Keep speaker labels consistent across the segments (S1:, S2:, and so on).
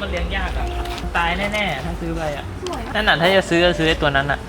S1: เลี้ยงยากอ่ะตายแน่ๆถ้าซื้อไปอ่ะนั่นน่ะถ้าจะซื้อก็ซื้อไอ้ตัวนั้นอ่ะ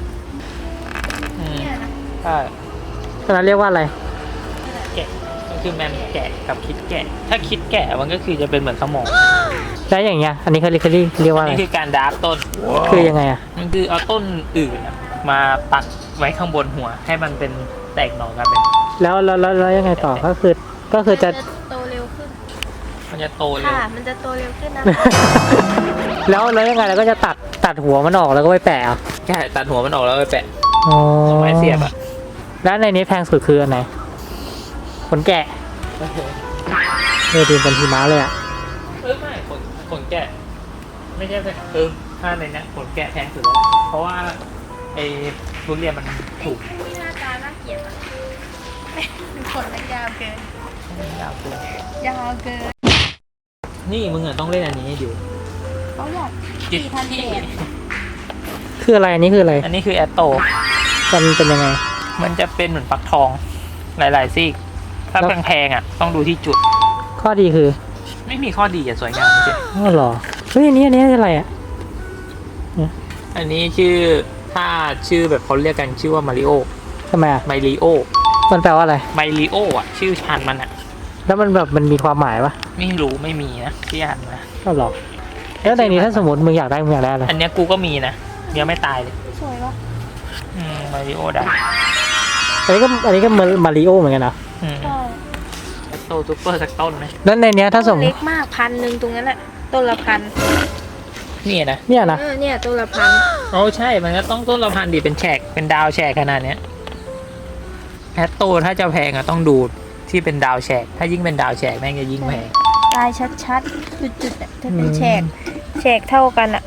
S1: ใช่ตัวนั้นเรียกว่าอะไรแกะมันคือแมมแกะกับคิดแกะถ้าคิดแกะมันก็คือจะเป็นเหมือนสมองแล้วอย่างเงี้ยอันนี้เขาเรียกว่าอะไรนี่คือการดราฟต้นคือยังไงอ่ะมันคือเอาต้นอื่นมาปักไว้ข้างบนหัวให้มันเป็นแตกหน่อกันเป็นแล้วยังไงต่อก็คือจะ
S2: โตเร็วขึ้น
S1: มันจะโตเร็ว
S2: ค่ะมันจะโตเร็วขึ้นนะ
S1: แล้วยังไงเราก็จะตัดหัวมันออกแล้วก็ไปแปะใช่ตัดหัวมันออกแล้วไปแปะไม้เสียบอ่ะแล้วในนี้แพงสุดคืออันไหนขนแกะดูเป็นหิมะเลยอ่ะไม่ขนแกะไม่ใช่ถ้าในนี้ขนแกะแพงสุดแล้วเพราะว่าไอ้ทุเรียนมันถูก
S2: ที่หน้าตาน่าเกลียดอ่ะขนมันยาวเกิน
S1: ยาวเ
S2: กิน
S1: นี่มึงต้องเล่นอันนี้ให้ดู
S2: เขาอยาก4,000 เหรียญ
S1: คืออะไรอันนี้คืออะไรอันนี้คือแอตโตมันเป็นยังไงมันจะเป็นเหมือนฟักทองหลายๆซีกถ้าแพงๆอ่ะต้องดูที่จุดข้อดีคือไม่มีข้อดีอ่ะสวยงามจริงอ๋อเหรอเฮ้ยอันนี้อะไรอ่ะอันนี้ถ้าชื่อแบบเขาเรียกกันชื่อว่ามาริโอทำไมไมริโอมันแปลว่าอะไรไมริโออ่ะชื่อพันธุ์มันอ่ะแล้วมันมีความหมายปะไม่รู้ไม่มีนะที่อ่านมาก็หรอแล้วในนี้ถ้าสมมติมึงอยากได้อะไรอันนี้กูก็มีนะยังไม่ตายเลย
S2: สวยปะ
S1: มาริโอได้อันนี้ก็มาริโอเหมือนกันนะ
S2: ใช่
S1: โตซุปเปอร์สักต้นไหมแล้วในนี้ถ้าสมมติ
S2: เล็กมาก1,000ตรงนั้นแหละต้นละ1,000
S1: เนี่ยนะ
S2: เนี่ยต้นละ1,000
S1: โอ้ใช่มันก็ต้องต้นละ1,000ดิเป็นแฉกเป็นดาวแฉกขนาดเนี้ยแอตโตถ้าจะแพงอะต้องดูที่เป็นดาวแฉกถ้ายิ่งเป็นดาวแฉกแม่งจะยิ่งแพง
S2: ลายชัดๆจุดๆถ้าเป็นแฉกเท่ากันอะ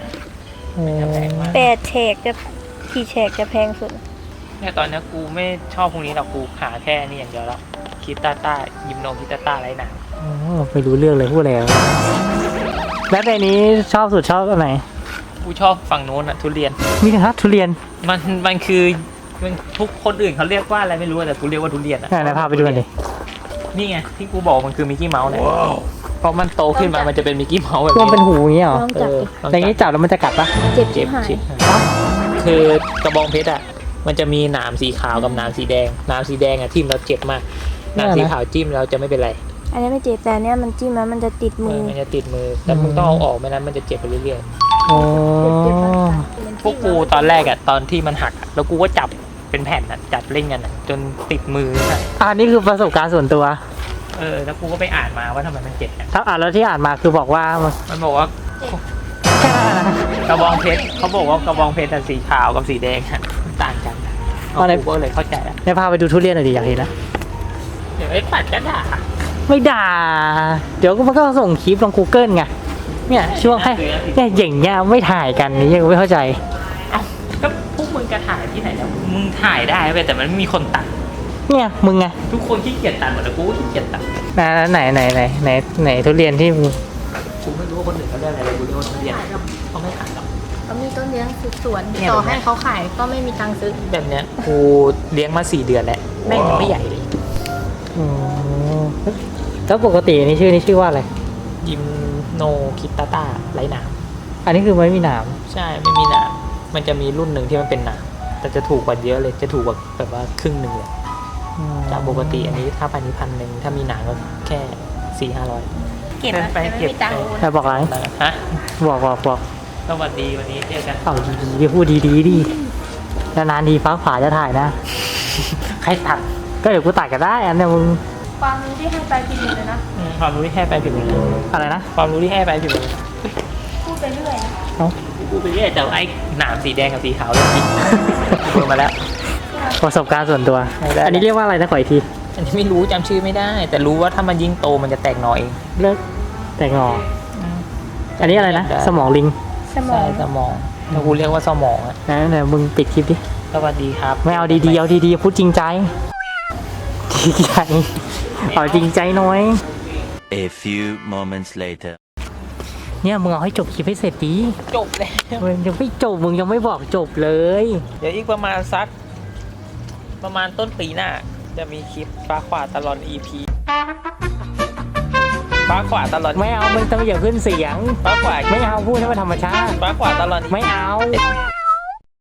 S2: 8 แฉกจะกี่แฉกจะแพงสุด
S1: เนี่ยตอนนี้กูไม่ชอบพวกนี้หรอกกูหาแค่นี้อย่างเดียวแล้วคิตาต้ายิมโนคิตาต้าไรหนังไม่รู้เรื่องเลยพูดแล้วแล้วในนี้ชอบอันไหนกูชอบฝั่งโน้นอะทุเรียนมีนะทุเรียนมันคือทุกคนอื่นเขาเรียกว่าอะไรไม่รู้แต่กูเรียกว่าทุเรียนอะไหนพาไปดูหน่อยนี่ไงที่กูบอกมันคือมิกกี้เมาส์เนี่ยพอมันโตขึ้นมามันจะเป็นมิกกี้เมาส์แบบนี้มันเป็นหูอย่างนี้เหรออย่างนี้จับแล้วมันจะกัดปะ
S2: เจ็บ
S1: คือกระบองเพชรอะมันจะมีหนามสีขาวกับหนามสีแดงหนามสีแดงอะทิ่มแล้วเจ็บมากหนามสีขาวจิ้มแล้วจะไม่เป็นไร
S2: อันนี้ไม่เจ็บแต่เนี้ยมันจิ้มแล้วมันจะติดมือ
S1: แต่มึงต้องเอาออกไม่นั้นมันจะเจ็บไปเรื่อยๆพวกกูตอนแรกอะตอนที่มันหักแล้วกูก็จับเป็นแผ่นอะจับเล่นกันอะจนติดมืออันนี้คือประสบการณ์ส่วนตัวแล้วกูก็ไปอ่านมาว่าทำไมมันเจ็บถ้าอ่านแล้วที่อ่านมาคือบอกว่ามันบอกว่ากระบองเพชรเขาบอกว่ากระบองเพชรสีขาวกับสีแดงต่างกันกูก็เลยเข้าใจแล้วพาไปดูทุเรียนหน่อยดิอยากเห็นนะเดี๋ยวไอ้ปัดจะด่าไม่ด่าเดี๋ยวมันก็ส่งคลิปลง Google ไงเนี่ยช่วงให้เนี่ยอย่างเงี้ยไม่ถ่ายกันนี่ยังไม่เข้าใจก็พวกมึงจะถ่ายที่ไหนแล้วมึงถ่ายได้แต่มันไม่มีคนตัดเนี่ยมึงไงทุกคนขี้เกียจตัดหมดแล้วกูก็ขี้เกียจตัดไหนทุเรียนที่มึงกูไม่รู้ว่าคนอื่นเขาเรียกอะไรกูเรียกว่าทุเรียนเขาไม่ขายหรอก
S2: เขามีต้นเลี้ยงสวนต่อให้เขาขายก็ไม่มีตังค์ซื้อ
S1: แบบเนี้ยกูเลี้ยงมา4 เดือนแล้วแม่งยังไม่ใหญ่เลยแล้วปกตินี่ชื่อว่าอะไรยิมโนคิตาต้าไรหนามอันนี้คือไม่มีหนามใช่ไม่มีหนามมันจะมีรุ่นหนึ่งที่มันเป็นหนามแต่จะถูกกว่าเยอะเลยจะถูกกว่าแบบว่าครึ่งหนึ่งเลยจากปกติอันนี้ถ้า1,000ถ้ามีหนามก็แค่400-500
S2: เก็บไป
S1: แต่บอกอะไรฮะบอกสวัสดีวันนี้เจอกันดีพูดดีนานๆทีฟ้าผ่าจะถ่ายนะใครตัดก็เดี๋ยวกูตัดก็ได้อันนี้มึง
S2: ความรู้ที่ให้ไปผิดเลยนะ
S1: ความรู้ที่ให้ไปผิดเลยอะไรนะความรู้ที่ให้ไปผิดเลย
S2: พูดไปเรื่อย
S1: พูดไปเรื่อยแต่ไอ้หนามสีแดงกับสีขาวเลยจริงเปิดมาแล้วประสบการณ์ส่วนตัวอันนี้เรียกว่าอะไรนะขออีกทีอันนี้ไม่รู้จำชื่อไม่ได้แต่รู้ว่าถ้ามันยิ่งโตมันจะแตกหน่อเองเลิกแตกหน่ออันนี้อะไรนะสมองลิง
S2: สมอง
S1: เรากูเรียกว่าสมองอ่ะไหนมึงปิดคลิปดิสวัสดีครับไม่เอาดีๆเอาดีๆพูดจริงใจเอาจริงใจน้อย
S3: A few moments later
S1: เนี่ยมึงเอาให้จบคลิปให้เสร็จดีจบเลยยังไม่จบมึงยังไม่บอกจบเลยเดี๋ยวอีกประมาณต้นปีหน้าจะมีคลิปฟ้าขวาตลอด EP ฟ้าฟ้าขวาตลอดไม่เอามันต้องอย่าขึ้นเสียงฟ้าขวาไม่เอาพูดให้มันธรรมชาติฟ้าขวาตลอดไม่เอา